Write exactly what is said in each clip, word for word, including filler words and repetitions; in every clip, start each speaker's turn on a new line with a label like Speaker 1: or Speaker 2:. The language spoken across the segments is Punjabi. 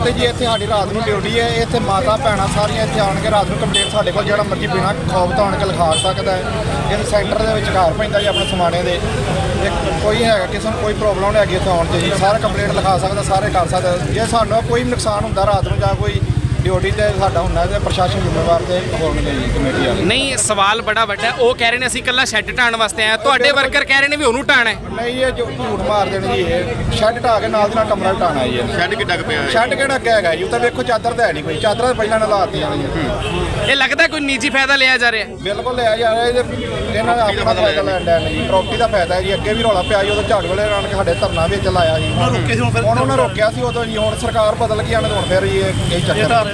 Speaker 1: ਤੇ ਜੀ ਇੱਥੇ ਸਾਡੀ ਰਾਤ ਨੂੰ ਡਿਊਟੀ ਹੈ। ਇੱਥੇ ਮਾਤਾ ਭੈਣਾਂ ਸਾਰੀਆਂ ਇੱਥੇ ਆਣ ਕੇ ਰਾਤ ਨੂੰ ਕੰਪਲੇਂਟ ਸਾਡੇ ਕੋਲ ਜਿਹੜਾ ਮਰਜ਼ੀ ਬਿਨਾਂ ਖੌਫ ਤੋਂ ਆਣ ਕੇ ਲਿਖਾ ਸਕਦਾ ਹੈ। ਇਹ ਸੈਂਟਰ ਦੇ ਵਿੱਚ ਘਰ ਪੈਂਦਾ ਜੀ ਆਪਣੇ ਸਮਾਣੇ ਦੇ, ਕੋਈ ਹੈਗਾ ਕਿਸੇ ਨੂੰ ਕੋਈ ਪ੍ਰੋਬਲਮ ਨਹੀਂ ਹੈਗੀ ਇੱਥੇ ਆਉਣ 'ਚ ਜੀ, ਸਾਰੇ ਕੰਪਲੇਂਟ ਲਿਖਾ ਸਕਦਾ, ਸਾਰੇ ਕਰ ਸਕਦਾ। ਜੇ ਸਾਨੂੰ ਕੋਈ ਵੀ ਨੁਕਸਾਨ ਹੁੰਦਾ ਰਾਤ ਨੂੰ ਜਾਂ ਕੋਈ ਡਿਊਟੀ ਤੇ ਸਾਡਾ ਹੁੰਦਾ ਤੇ ਪ੍ਰਸ਼ਾਸਨ ਜ਼ਿੰਮੇਵਾਰ ਤੇ ਹੋਣਗੇ ਜੀ ਕਮੇਟੀ ਵਾਲੇ।
Speaker 2: ਨਹੀਂ ਸਵਾਲ ਬੜਾ ਵੱਡਾ, ਉਹ ਕਹਿ ਰਹੇ ਨੇ ਅਸੀਂ ਇਕੱਲਾ ਸ਼ੈੱਡ ਢਾਣ ਵਾਸਤੇ ਆਏ, ਤੁਹਾਡੇ ਵਰਕਰ ਕਹਿ ਰਹੇ ਨੇ ਵੀ ਉਹਨੂੰ ਢਾਣਾ ਹੈ।
Speaker 1: ਨਹੀਂ ਇਹ ਝੂਠ ਮਾਰ ਦੇਣ ਜੀ, ਇਹ ਸ਼ੈੱਡ ਢਾ ਕੇ ਨਾਲ ਦੀ ਨਾਲ ਕਮਰਾ ਢਾਣਾ ਜੀ।
Speaker 3: ਸ਼ੈੱਡ ਕਿੱਡਾ ਕੁ ਪਿਆ?
Speaker 1: ਸ਼ੈੱਡ ਕਿਹੜਾ ਅੱਗੇ ਹੈਗਾ ਜੀ, ਉੱਤੇ ਵੇਖੋ ਚਾਦਰ ਤਾਂ ਹੈ ਨਹੀਂ ਕੋਈ, ਚਾਦਰਾਂ ਪਹਿਲਾਂ ਨਾਲ ਲਾਤੀਆਂ ਜੀ।
Speaker 2: ਇਹ ਲੱਗਦਾ ਕੋਈ ਨਿੱਜੀ ਫਾਇਦਾ ਲਿਆ ਜਾ ਰਿਹਾ?
Speaker 1: ਬਿਲਕੁਲ ਲਿਆ ਜਾ ਰਿਹਾ, ਇਹਨਾਂ ਦਾ ਆਪਣਾ ਫਾਇਦਾ ਲੈਣ ਡਿਆ ਜੀ, ਪ੍ਰਾਪਰਟੀ ਦਾ ਫਾਇਦਾ ਹੈ ਜੀ। ਅੱਗੇ ਵੀ ਰੌਲਾ ਪਿਆ ਜੀ, ਉਦੋਂ ਝਾੜੂ ਵਾਲੇ ਆਣ ਕੇ ਸਾਡੇ ਧਰਨਾ ਵਿੱਚ ਲਾਇਆ ਜੀ, ਹੁਣ ਉਹਨਾਂ ਰੋਕਿਆ ਸੀ ਉਦੋਂ ਜੀ, ਹੁਣ ਸਰਕਾਰ ਬਦਲ ਗਈ ਆਣ ਹੁਣ ਫਿਰ ਜੀ ਇਹ ਚੱਕਰ।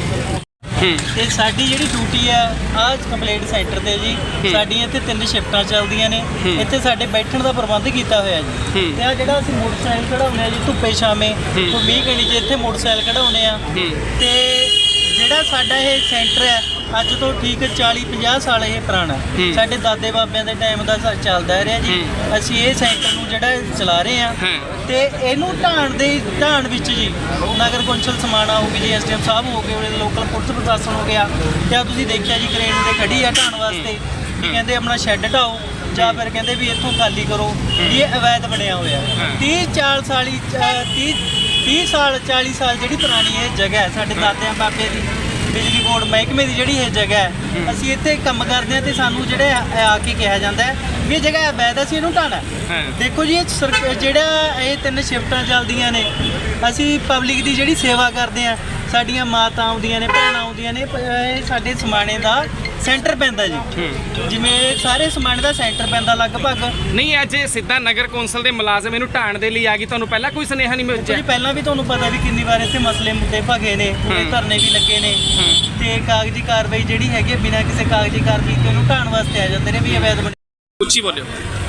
Speaker 4: ਤੇ ਸਾਡੀ ਜਿਹੜੀ ਡਿਊਟੀ ਆ ਆਹ ਕੰਪਲੇਂਟ ਸੈਂਟਰ ਤੇ ਜੀ, ਸਾਡੀਆਂ ਇੱਥੇ ਤਿੰਨ ਸ਼ਿਫਟਾਂ ਚੱਲਦੀਆਂ ਨੇ। ਇੱਥੇ ਸਾਡੇ ਬੈਠਣ ਦਾ ਪ੍ਰਬੰਧ ਕੀਤਾ ਹੋਇਆ ਜੀ। ਤੇ ਆ ਜਿਹੜਾ ਅਸੀਂ ਮੋਟਰਸਾਈਕਲ ਕਢਾਉਂਦੇ ਆ ਜੀ ਧੁੱਪੇ ਛਾਵੇਂ, ਕੋਈ ਵੀਹ ਘੰਟੇ 'ਚ ਇੱਥੇ ਮੋਟਰਸਾਈਕਲ ਕਢਾਉਂਦੇ ਆ। ਤੇ ਜਿਹੜਾ ਸਾਡਾ ਇਹ ਸੈਂਟਰ ਹੈ ਅੱਜ ਤੋਂ ਠੀਕ ਚਾਲੀ ਪੰਜਾਹ ਸਾਲ ਇਹ ਪੁਰਾਣਾ, ਸਾਡੇ ਦਾਦੇ ਬਾਬਿਆਂ ਦੇ ਟਾਈਮ ਦਾ ਚੱਲਦਾ ਰਿਹਾ ਜੀ। ਅਸੀਂ ਇਹ ਸੈਂਟਰ ਨੂੰ ਜਿਹੜਾ ਚਲਾ ਰਹੇ ਆ ਤੇ ਇਹਨੂੰ ਢਾਣ ਦੇ ਢਾਣ ਵਿੱਚ ਜੀ ਨਗਰ ਕੌਂਸਲ ਸਮਾਣਾ ਹੋ ਗਈ ਜੀ, ਐਸ ਡੀ ਐਮ ਸਾਹਿਬ ਹੋ ਗਏ, ਉਹਦੇ ਲੋਕਲ ਪੁਲਿਸ ਪ੍ਰਸ਼ਾਸਨ ਹੋ ਗਿਆ। ਤੇ ਤੁਸੀਂ ਦੇਖਿਆ ਜੀ ਕ੍ਰੇਨ ਤੇ ਖੜੀ ਆ ਢਾਣ ਵਾਸਤੇ, ਵੀ ਕਹਿੰਦੇ ਆਪਣਾ ਸ਼ੈੱਡ ਢਾਓ ਜਾਂ ਫਿਰ ਕਹਿੰਦੇ ਵੀ ਇੱਥੋਂ ਖਾਲੀ ਕਰੋ। ਇਹ ਅਵੈਧ ਬਣਿਆ ਹੋਇਆ ਤੀਹ ਚਾਲ ਸਾਲੀ ਤੀਹ ਤੀਹ ਸਾਲ ਚਾਲੀ ਸਾਲ ਜਿਹੜੀ ਪੁਰਾਣੀ ਇਹ ਜਗ੍ਹਾ ਹੈ ਸਾਡੇ ਦਾਦਿਆਂ ਬਾਬੇ ਦੀ, ਬਿਜਲੀ ਬੋਰਡ ਮਹਿਕਮੇ ਦੀ ਜਿਹੜੀ ਇਹ ਜਗ੍ਹਾ ਹੈ, ਅਸੀਂ ਇੱਥੇ ਕੰਮ ਕਰਦੇ ਹਾਂ ਤੇ ਸਾਨੂੰ ਜਿਹੜੇ ਆ ਕੇ ਕਿਹਾ ਜਾਂਦਾ ਹੈ ਵੀ ਇਹ ਜਗ੍ਹਾ ਅਵੈਧ ਹੈ, ਅਸੀਂ ਇਹਨੂੰ ਢਾਣਾ। ਦੇਖੋ ਜੀ ਇਹ ਜਿਹੜਾ ਇਹ ਤਿੰਨ ਸ਼ਿਫਟਾਂ ਚੱਲਦੀਆਂ ਨੇ, ਅਸੀਂ ਪਬਲਿਕ ਦੀ ਜਿਹੜੀ ਸੇਵਾ ਕਰਦੇ ਹਾਂ, ਸਾਡੀਆਂ ਮਾਤਾ ਆਉਂਦੀਆਂ ਨੇ, ਭੈਣਾਂ ਆਉਂਦੀਆਂ ਨੇ, ਇਹ ਸਾਡੇ ਸਮਾਣੇ ਦਾ ਸੈਂਟਰ ਪੈਂਦਾ ਜੀ, ਜਿਵੇਂ ਸਾਰੇ ਸਮਾਣੇ ਦਾ ਸੈਂਟਰ ਪੈਂਦਾ ਲਗਭਗ।
Speaker 2: ਨਹੀਂ ਅੱਜ ਸਿੱਧਾ ਨਗਰ ਕੌਂਸਲ ਦੇ ਮੁਲਾਜ਼ਮ ਇਹਨੂੰ ਢਾਣ ਦੇ ਲਈ ਆ ਗਈ, ਤੁਹਾਨੂੰ ਪਹਿਲਾਂ ਕੋਈ ਸੁਨੇਹਾ ਨਹੀਂ ਮਿਲਿਆ
Speaker 4: ਜੀ? ਪਹਿਲਾਂ ਵੀ ਤੁਹਾਨੂੰ ਪਤਾ ਵੀ ਕਿੰਨੀ ਵਾਰ ਇੱਥੇ ਮਸਲੇ ਮੁੱਦੇ ਭਗੇ ਨੇ, ਪੂਰੇ ਧਰਨੇ ਵੀ ਲੱਗੇ ਨੇ ਤੇ ਕਾਗਜ਼ੀ ਕਾਰਵਾਈ ਜਿਹੜੀ ਹੈਗੀ ਬਿਨਾਂ ਕਿਸੇ ਕਾਗਜ਼ੀ ਕਾਰਵਾਈ ਤੋਂ ਇਹਨੂੰ ਢਾਣ ਵਾਸਤੇ ਆ ਜਾਂਦੇ ਨੇ ਵੀ ਅਵੈਧ ਬਣੇ।
Speaker 2: ਉੱਚੀ ਬੋਲਿਓ।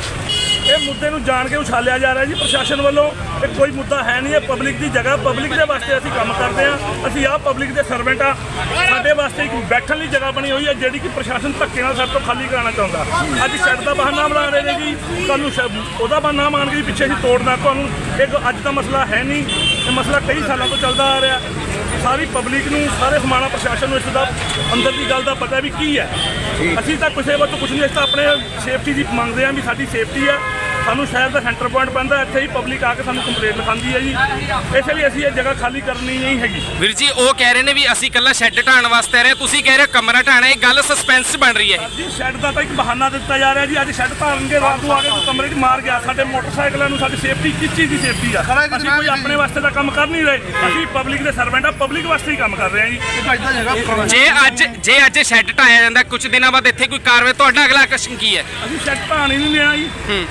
Speaker 5: ਇਹ ਮੁੱਦੇ ਨੂੰ ਜਾਣ ਕੇ ਉਛਾਲਿਆ ਜਾ ਰਿਹਾ ਜੀ ਪ੍ਰਸ਼ਾਸਨ ਵੱਲੋਂ। ਇਹ ਕੋਈ ਮੁੱਦਾ ਹੈ ਨਹੀਂ, ਇਹ ਪਬਲਿਕ ਦੀ ਜਗ੍ਹਾ, ਪਬਲਿਕ ਦੇ ਵਾਸਤੇ ਅਸੀਂ ਕੰਮ ਕਰਦੇ ਹਾਂ। ਅਸੀਂ ਆਹ ਪਬਲਿਕ ਦੇ ਸਰਵੈਂਟ ਆ, ਸਾਡੇ ਵਾਸਤੇ ਇੱਕ ਬੈਠਣ ਲਈ ਜਗ੍ਹਾ ਬਣੀ ਹੋਈ ਹੈ ਜਿਹੜੀ ਕਿ ਪ੍ਰਸ਼ਾਸਨ ਧੱਕੇ ਨਾਲ ਸਾਡੇ ਤੋਂ ਖਾਲੀ ਕਰਾਉਣਾ ਚਾਹੁੰਦਾ। ਅੱਜ ਸ਼ੈੱਡ ਦਾ ਬਹਾਨਾ ਬਣਾ ਰਹੇ ਨੇ ਜੀ, ਤੁਹਾਨੂੰ ਉਹਦਾ ਬਹਾਨਾ ਮੰਨ ਕੇ ਪਿੱਛੇ ਅਸੀਂ ਤੋੜਨਾ ਤੁਹਾਨੂੰ। ਇਹ ਅੱਜ ਦਾ ਮਸਲਾ ਹੈ ਨਹੀਂ, ਇਹ ਮਸਲਾ ਕਈ ਸਾਲਾਂ ਤੋਂ ਚੱਲਦਾ ਆ ਰਿਹਾ। ਸਾਰੀ ਪਬਲਿਕ ਨੂੰ, ਸਾਰੇ ਸਮਾਣਾ ਪ੍ਰਸ਼ਾਸਨ ਨੂੰ ਇਸ ਦਾ ਅੰਦਰ ਦੀ ਗੱਲ ਦਾ ਪਤਾ ਵੀ ਕੀ ਹੈ। ਅਸੀਂ ਤਾਂ ਕਿਸੇ ਵੱਲੋਂ ਕੁਝ ਨਹੀਂ, ਅਸੀਂ ਤਾਂ ਆਪਣੇ ਸੇਫਟੀ ਦੀ ਮੰਗਦੇ ਹਾਂ ਵੀ ਸਾਡੀ ਸੇਫਟੀ ਹੈ। ਸਾਨੂੰ ਸ਼ਹਿਰ ਦਾ ਸੈਂਟਰ ਪੁਆਇੰਟ ਪੈਂਦਾ, ਇੱਥੇ ਹੀ ਪਬਲਿਕ ਆ ਕੇ ਸਾਨੂੰ ਕੰਪਲੇਂਟ ਲਿਖਾਉਂਦੀ ਹੈ ਜੀ, ਇਸ ਲਈ ਅਸੀਂ ਇਹ ਜਗ੍ਹਾ ਖਾਲੀ ਕਰਨੀ ਨਹੀਂ ਹੈਗੀ।
Speaker 2: ਵੀਰ ਜੀ ਉਹ ਕਹਿ ਰਹੇ ਨੇ ਵੀ ਅਸੀਂ ਇਕੱਲਾ ਸ਼ੈੱਡ ਢਾਣ ਵਾਸਤੇ ਆ ਰਹੇ, ਤੁਸੀਂ ਕਹਿ ਰਹੇ ਹੋ ਕਮਰਾ ਢਾਣਾ, ਇਹ ਗੱਲ ਸਸਪੈਂਸ ਬਣ ਰਹੀ ਹੈ
Speaker 5: ਜੀ। ਸ਼ੈੱਡ ਦਾ ਤਾਂ ਇੱਕ ਬਹਾਨਾ ਦਿੱਤਾ ਜਾ ਰਿਹਾ ਜੀ, ਅੱਜ ਸ਼ੈੱਡ ਧਾਰਨਗੇ, ਰਾਤ ਨੂੰ ਆ ਕੇ ਕੋਈ ਕਮਰੇ 'ਚ ਮਾਰ ਗਿਆ। ਸਾਡੇ ਮੋਟਰਸਾਈਕਲਾਂ ਨੂੰ ਸਾਡੀ ਸੇਫਟੀ ਕਿਸ ਚੀਜ਼ ਦੀ ਸੇਫਟੀ ਆ? ਅਸੀਂ ਕੋਈ ਆਪਣੇ ਵਾਸਤੇ ਤਾਂ ਕੰਮ ਕਰ ਨਹੀਂ ਰਹੇ, ਅਸੀਂ ਪਬਲਿਕ ਦੇ ਸਰਵੈਂਟ ਆ, ਪਬਲਿਕ ਵਾਸਤੇ ਹੀ ਕੰਮ ਕਰ ਰਹੇ ਹਾਂ ਜੀ।
Speaker 2: ਜੇ ਅੱਜ ਜੇ ਅੱਜ ਸ਼ੈੱਡ ਢਾਇਆ ਜਾਂਦਾ ਕੁਝ ਦਿਨਾਂ ਬਾਅਦ ਇੱਥੇ ਕੋਈ ਕਾਰਵਾਈ, ਤੁਹਾਡਾ ਅਗਲਾ ਆਕਰਸ਼ਣ ਕੀ ਹੈ?
Speaker 5: ਅਸੀਂ ਸ਼ੈੱਡ ਢਾਣ ਹੀ ਨਹੀਂ ਲੈਣਾ ਜੀ।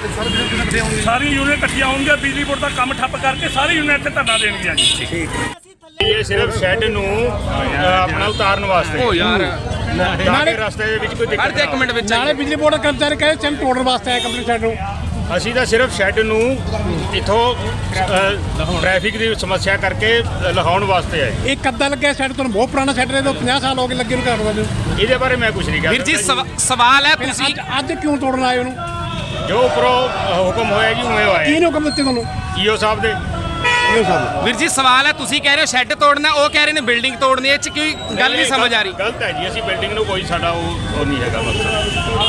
Speaker 5: ਸਾਰੀ ਯੂਨੀਅਨ ਇਕੱਠੀਆਂ ਹੋਣਗੀਆਂ, ਬਿਜਲੀ ਬੋਰਡ ਦਾ ਕੰਮ ਠੱਪ ਕਰਕੇ ਸਾਰੀ ਯੂਨੀਅਨ ਇੱਥੇ ਧਰਨਾ ਦੇਣਗੀਆਂ ਜੀ।
Speaker 3: ਇਹ ਸਿਰਫ ਸ਼ੈੱਡ ਨੂੰ ਆਪਣਾ ਉਤਾਰਨ ਵਾਸਤੇ।
Speaker 2: ਓ ਯਾਰ
Speaker 3: ਨਾਲੇ ਰਸਤੇ ਦੇ ਵਿੱਚ ਕੋਈ ਦਿੱਕਤ
Speaker 2: ਹਰ ਇੱਕ ਮਿੰਟ ਵਿੱਚ
Speaker 6: ਨਾਲੇ ਬਿਜਲੀ ਬੋਰਡ ਦਾ ਕਰਮਚਾਰੀ ਕਹੇ ਚੰਨ ਤੋੜਨ ਵਾਸਤੇ ਆਏ ਕੰਪਨੀ ਸ਼ੈੱਡ ਨੂੰ।
Speaker 3: ਅਸੀਂ ਤਾਂ ਸਿਰਫ ਸ਼ੈੱਡ ਨੂੰ ਇੱਥੋਂ ਟ੍ਰੈਫਿਕ ਦੀ ਸਮੱਸਿਆ ਕਰਕੇ ਲਗਾਉਣ ਵਾਸਤੇ ਆਏ।
Speaker 6: ਇਹ ਕੱਦਾ ਲੱਗਿਆ ਸ਼ੈੱਡ ਤੁਹਾਨੂੰ ਬਹੁਤ ਪੁਰਾਣਾ ਸ਼ੈੱਡ ਨੇ, ਪੰਜਾਹ ਸਾਲ ਹੋ ਗਏ ਲੱਗੇ ਨੂੰ ਕਰਨ ਵਾਲੇ।
Speaker 3: ਇਹਦੇ ਬਾਰੇ ਮੈਂ ਕੁਝ ਨਹੀਂ ਕਹਿ
Speaker 2: ਵੀਰ ਜੀ ਸਵਾਲ ਹੈ, ਤੁਸੀਂ
Speaker 6: ਅੱਜ ਅੱਜ ਕਿਉਂ ਤੋੜਨ ਆਏ ਉਹਨੂੰ?
Speaker 3: ਜੋ ਉੱਪਰੋਂ ਹੁਕਮ ਹੋਇਆ ਜੀ ਉਵੇਂ ਹੋਇਆ।
Speaker 6: ਕਿਹਨੇ ਹੁਕਮ ਦਿੱਤੇ ਤੁਹਾਨੂੰ?
Speaker 3: ਈਓ ਸਾਹਿਬ ਦੇ।
Speaker 2: ਵੀਰ ਜੀ ਸਵਾਲ ਹੈ, ਤੁਸੀਂ ਕਹਿ ਰਹੇ ਹੋ ਸ਼ੈੱਡ ਤੋੜਨਾ, ਉਹ ਕਹਿ ਰਹੇ ਨੇ ਬਿਲਡਿੰਗ ਤੋੜਨੀ, ਇਹ 'ਚ ਕੋਈ ਗੱਲ ਨਹੀਂ ਸਮਝ ਆ ਰਹੀ।
Speaker 3: ਗਲਤ ਹੈ ਜੀ, ਅਸੀਂ ਬਿਲਡਿੰਗ ਨੂੰ ਕੋਈ ਸਾਡਾ ਉਹ ਉਹ ਨਹੀਂ ਹੈਗਾ ਮਕਸਦ।